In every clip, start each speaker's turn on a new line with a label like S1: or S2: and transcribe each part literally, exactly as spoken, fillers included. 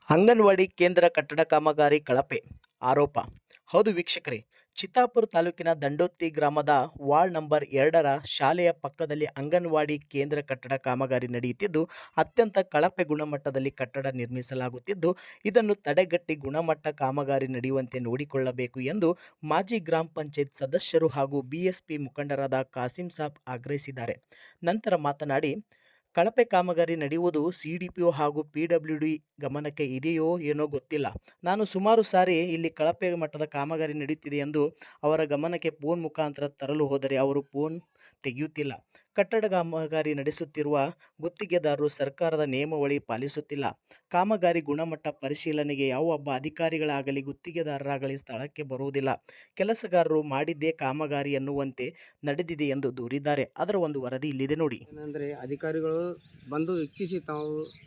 S1: ಅಂಗನವಾಡಿ ಕೇಂದ್ರ ಕಟ್ಟಡ ಕಾಮಗಾರಿ ಕಳಪೆ ಆರೋಪ. ಹೌದು ವೀಕ್ಷಕರೇ, ಚಿತ್ತಾಪುರ ತಾಲೂಕಿನ ದಂಡೋತಿ ಗ್ರಾಮದ ವಾರ್ಡ್ ನಂಬರ್ ಎರಡರ ಶಾಲೆಯ ಪಕ್ಕದಲ್ಲಿ ಅಂಗನವಾಡಿ ಕೇಂದ್ರ ಕಟ್ಟಡ ಕಾಮಗಾರಿ ನಡೆಯುತ್ತಿದ್ದು, ಅತ್ಯಂತ ಕಳಪೆ ಗುಣಮಟ್ಟದಲ್ಲಿ ಕಟ್ಟಡ ನಿರ್ಮಿಸಲಾಗುತ್ತಿದ್ದು, ಇದನ್ನು ತಡೆಗಟ್ಟಿ ಗುಣಮಟ್ಟ ಕಾಮಗಾರಿ ನಡೆಯುವಂತೆ ನೋಡಿಕೊಳ್ಳಬೇಕು ಎಂದು ಮಾಜಿ ಗ್ರಾಮ ಪಂಚಾಯತ್ ಸದಸ್ಯರು ಹಾಗೂ ಬಿಎಸ್ಪಿ ಮುಖಂಡರಾದ ಕಾಸಿಂ ಸಾಬ್ ಆಗ್ರಹಿಸಿದ್ದಾರೆ. ನಂತರ ಮಾತನಾಡಿ, ಕಳಪೆ ಕಾಮಗಾರಿ ನಡೆಯುವುದು ಸಿಡಿಪಿಒ ಹಾಗೂ ಪಿಡಬ್ಲ್ಯೂಡಿ ಗಮನಕ್ಕೆ ಇದೆಯೋ ಏನೋ ಗೊತ್ತಿಲ್ಲ. ನಾನು ಸುಮಾರು ಸಾರಿ ಇಲ್ಲಿ ಕಳಪೆ ಮಟ್ಟದ ಕಾಮಗಾರಿ ನಡೆಯುತ್ತಿದೆ ಎಂದು ಅವರ ಗಮನಕ್ಕೆ ಫೋನ್ ಮುಖಾಂತರ ತರಲು ಹೋದರೆ ಅವರು ಫೋನ್ ತೆಗೆಯುತ್ತಿಲ್ಲ. ಕಟ್ಟಡ ಕಾಮಗಾರಿ ನಡೆಸುತ್ತಿರುವ ಗುತ್ತಿಗೆದಾರರು ಸರ್ಕಾರದ ನಿಯಮಾವಳಿ ಪಾಲಿಸುತ್ತಿಲ್ಲ. ಕಾಮಗಾರಿ ಗುಣಮಟ್ಟ ಪರಿಶೀಲನೆಗೆ ಯಾವೊಬ್ಬ ಅಧಿಕಾರಿಗಳಾಗಲಿ ಗುತ್ತಿಗೆದಾರರಾಗಲಿ ಸ್ಥಳಕ್ಕೆ ಬರುವುದಿಲ್ಲ. ಕೆಲಸಗಾರರು ಮಾಡಿದ್ದೇ ಕಾಮಗಾರಿ ಎನ್ನುವಂತೆ ನಡೆದಿದೆ ಎಂದು ದೂರಿದ್ದಾರೆ. ಅದರ ಒಂದು ವರದಿ ಇಲ್ಲಿದೆ ನೋಡಿ.
S2: ಏನಂದರೆ ಅಧಿಕಾರಿಗಳು ಬಂದು ವೀಕ್ಷಿಸಿ ತಾವು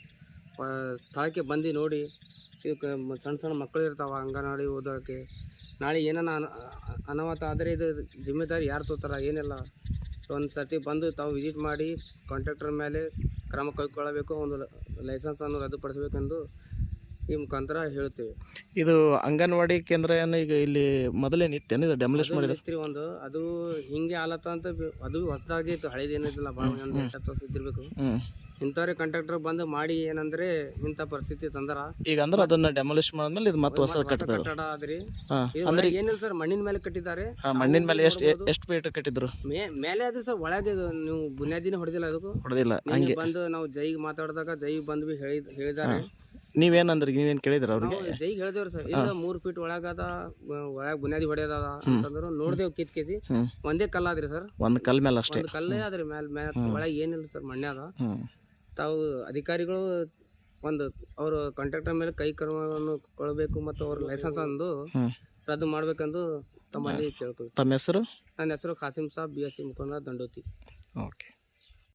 S2: ಸ್ಥಳಕ್ಕೆ ಬಂದು ನೋಡಿ, ಇದಕ್ಕೆ ಸಣ್ಣ ಸಣ್ಣ ಮಕ್ಕಳು ಇರ್ತಾವೆ ಅಂಗನವಾಡಿ ಓದೋಕ್ಕೆ, ನಾಳೆ ಏನಾನ ಅನಾಹುತ ಆದರೆ ಇದು ಜಿಮ್ಮೆದಾರಿ ಯಾರು ತೋತಾರ ಏನಿಲ್ಲ. ಒಂದು ಸರ್ತಿ ಬಂದು ತಾವು ವಿಸಿಟ್ ಮಾಡಿ ಕಾಂಟ್ರಾಕ್ಟರ್ ಮೇಲೆ ಕ್ರಮ ಕೈಗೊಳ್ಳಬೇಕು, ಒಂದು ಲೈಸೆನ್ಸನ್ನು ರದ್ದುಪಡಿಸಬೇಕೆಂದು ಈ ಮುಖಾಂತರ ಹೇಳ್ತೇವೆ.
S3: ಇದು ಅಂಗನವಾಡಿ ಕೇಂದ್ರ ಏನು ಈಗ ಇಲ್ಲಿ ಮೊದಲೇ ನಿತ್ಯನ ಇದು ಡೆಮಲಿಷ್ ಮಾಡಿದ್ರಿ
S2: ಒಂದು ಅದು ಹಿಂಗೆ ಆಲತ್ತ ಅಂತ ಅದು ಹೊಸದಾಗಿ ಇತ್ತು, ಹಳೇದೇನಿದ್ದಿಲ್ಲ, ಭಾಳ ಒಂದು ಎಂಟತ್ತು ವರ್ಷ ಇದ್ದಿರ್ಬೇಕು. ಇಂಥವ್ರೆ ಕಾಂಟ್ರಾಕ್ಟರ್ ಬಂದು ಮಾಡಿ ಏನಂದ್ರೆ ಇಂಥ ಪರಿಸ್ಥಿತಿ ತಂದರ.
S3: ಈಗ ಅಂದ್ರೆ ಅದನ್ನ ಡೆಮಲಿಷ್ ಮಾಡಿದ್ಮೇಲೆ ಇದು ಮತ್ತೆ ಹೊಸ ಕಟ್ಟಡ
S2: ಆದ್ರಿ.
S3: ಅಂದ್ರೆ
S2: ಏನಿಲ್ಲ ಸರ್, ಮಣ್ಣಿನ ಮೇಲೆ ಕಟ್ಟಿದ್ದಾರೆ.
S3: ಮಣ್ಣಿನ ಮೇಲೆ ಎಷ್ಟು ಎಷ್ಟು ಫೀಟ್ ಕಟ್ಟಿದ್ರು?
S2: ಮೇಲೆ ಅದು ಸರ್, ಒಳಗೆ ನೀವು ಬುನಿಯಾದಿನ ಹೊಡೆದಿಲ್ಲ, ಅದಕ್ಕೂ
S3: ಹೊಡೆದಿಲ್ಲ. ಹಂಗೆ
S2: ಬಂದು ನಾವು ಜೈಗೆ ಮಾತಾಡಿದಾಗ ಜೈ ಬಂದು ಹೇಳಿ ಹೇಳಿದ್ದಾರೆ.
S3: ನೀವೇನಂದ್ರಿ, ನೀವೇನ್ ಕೇಳಿದ್ರ ಅವ್ರಿಗೆ?
S2: ಜೈಗೆ ಹೇಳಿದೇವ್ರಿ ಸರ್, ಇಲ್ಲ ಮೂರ್ ಫೀಟ್ ಒಳಗದ ಒಳಗ್ ಬುನಿಯಾದಿ ಹೊಡೆಯದ ಅಂತಂದ್ರು. ನೋಡ್ದೇವ್ ಕಿತ್ ಕೇಸಿ ಒಂದೇ ಕಲ್ಲಾದ್ರಿ ಸರ್,
S3: ಒಂದ್ ಕಲ್ ಮೇಲೆ ಅಷ್ಟೇ,
S2: ಕಲ್ಲೇ ಆದ್ರಿ ಮ್ಯಾಲ ಮ್ಯಾಲ ಒಳಗೆ ಏನಿಲ್ಲ ಸರ್, ಮಣ್ಣೆ ಅದ. ತಾವು ಅಧಿಕಾರಿಗಳು ಒಂದು ಅವರು ಕಾಂಟ್ರಾಕ್ಟರ್ ಮೇಲೆ ಕೈ ಕ್ರಮವನ್ನು ಕೊಡಬೇಕು ಮತ್ತು ಅವ್ರ ಲೈಸೆನ್ಸ್ ಅಂದು ರದ್ದು ಮಾಡ್ಬೇಕೆಂದು ತಮ್ಮಲ್ಲಿ ಕೇಳ್ಕೊಳ್ತೀವಿ.
S3: ತಮ್ಮ ಹೆಸರು?
S2: ನನ್ನ ಹೆಸರು Kasim Saab, B S C ಮುಖಂಡ, ದಂಡೋತಿ.
S3: ಓಕೆ.